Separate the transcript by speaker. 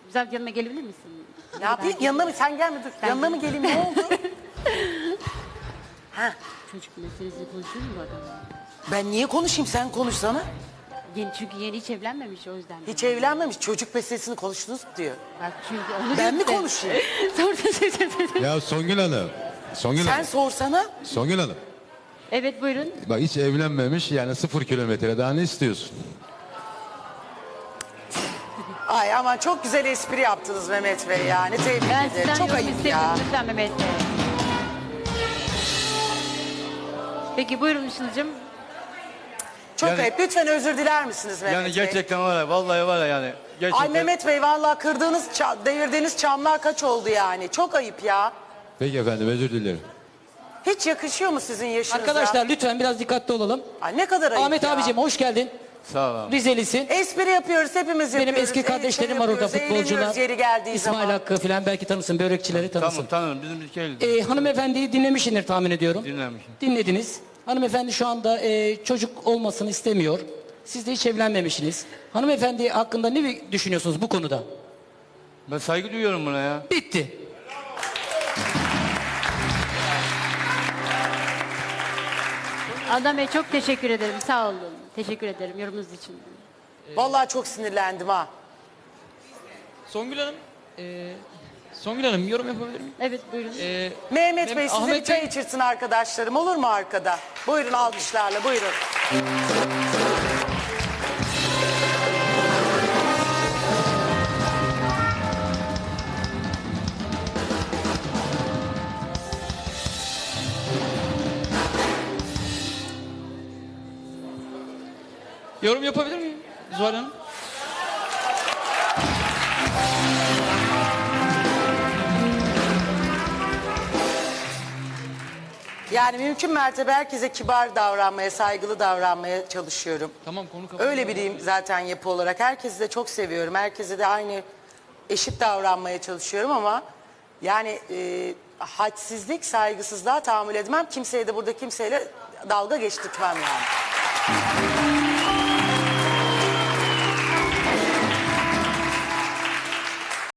Speaker 1: Güzel yanıma gelebilir misin?
Speaker 2: Ne yapayım? Yanına mı? Sen gelme dur. Yanına mı geleyim? Ne oldu? Ha,
Speaker 1: Çocuk meselesini konuşuyor mu bu adamla?
Speaker 2: ben niye konuşayım? Sen konuşsana.
Speaker 1: Çünkü yeni hiç evlenmemiş o yüzden.
Speaker 2: Hiç evlenmemiş. Çocuk meselesini konuştunuz mu diyor.
Speaker 1: Bak çünkü onu
Speaker 2: Ben mi
Speaker 1: diyorum
Speaker 2: konuşayım?
Speaker 3: Ya Songül Hanım. Songül
Speaker 2: Sen
Speaker 3: Hanım.
Speaker 2: sorsana.
Speaker 3: Songül Hanım.
Speaker 1: Evet buyurun.
Speaker 3: Bak hiç evlenmemiş yani 0 kilometre daha ne istiyorsun?
Speaker 2: Ay aman çok güzel espri yaptınız Mehmet Bey yani. Tebrik
Speaker 1: Ben
Speaker 2: ederim.
Speaker 1: sizden
Speaker 2: Çok
Speaker 1: yorum
Speaker 2: ayıp ya.
Speaker 1: istemiyorum lütfen Mehmet Bey. Peki buyurun Işıl'cığım.
Speaker 2: Çok
Speaker 4: Yani-
Speaker 2: ayıp. Lütfen özür diler misiniz Mehmet
Speaker 4: Yani
Speaker 2: Bey?
Speaker 4: gerçekten var ya, vallahi var ya yani. Gerçekten.
Speaker 2: Ay Mehmet Bey vallahi kırdığınız, devirdiğiniz çamlar kaç oldu yani. Çok ayıp ya.
Speaker 3: Peki efendim özür dilerim.
Speaker 2: Hiç yakışıyor mu sizin yaşınıza?
Speaker 5: Arkadaşlar lütfen biraz dikkatli olalım.
Speaker 2: Ay ne kadar ayıp
Speaker 5: Ahmet
Speaker 2: ya.
Speaker 5: abicim hoş geldin.
Speaker 4: Sağ ol abi.
Speaker 5: Rizelisin.
Speaker 2: Espri yapıyoruz hepimiz
Speaker 5: Benim
Speaker 2: yapıyoruz.
Speaker 5: eski kardeşlerim var orada
Speaker 2: yapıyoruz,
Speaker 5: futbolcular.
Speaker 2: eğleniyoruz yeri geldiği
Speaker 5: İsmail
Speaker 2: zaman.
Speaker 5: Hakkı falan belki tanısın, börekçileri tanısın.
Speaker 4: Tamam tanırım, bizim ülke
Speaker 5: Hanımefendiyi dinlemişsindir tahmin ediyorum.
Speaker 4: dinlemişim.
Speaker 5: Dinlediniz. Hanımefendi şu anda çocuk olmasını istemiyor. Siz de hiç evlenmemişsiniz. Hanımefendi hakkında ne düşünüyorsunuz bu konuda?
Speaker 4: Ben saygı duyuyorum buna ya.
Speaker 5: Bitti.
Speaker 1: Adam Bey çok teşekkür ederim. Sağ olun. Teşekkür ederim yorumunuz için.
Speaker 2: Vallahi çok sinirlendim ha.
Speaker 6: Songül Hanım, Songül Hanım yorum yapabilir miyim?
Speaker 1: Evet buyurun.
Speaker 2: Mehmet Bey size
Speaker 6: Ahmet
Speaker 2: bir çay
Speaker 6: Bey-
Speaker 2: içirsin arkadaşlarım olur mu arkada? Buyurun alkışlarla buyurun.
Speaker 6: Yorum yapabilir miyim Zuhal Hanım?
Speaker 2: Yani mümkün mertebe herkese kibar davranmaya, saygılı davranmaya çalışıyorum.
Speaker 6: Tamam konu kapandı.
Speaker 2: Öyle biriyim zaten yapı olarak. Herkesi de çok seviyorum. Herkese de aynı eşit davranmaya çalışıyorum ama yani hadsizlik, saygısızlığa tahammül etmem. Kimseye de burada kimseyle dalga geçtirtmem yani.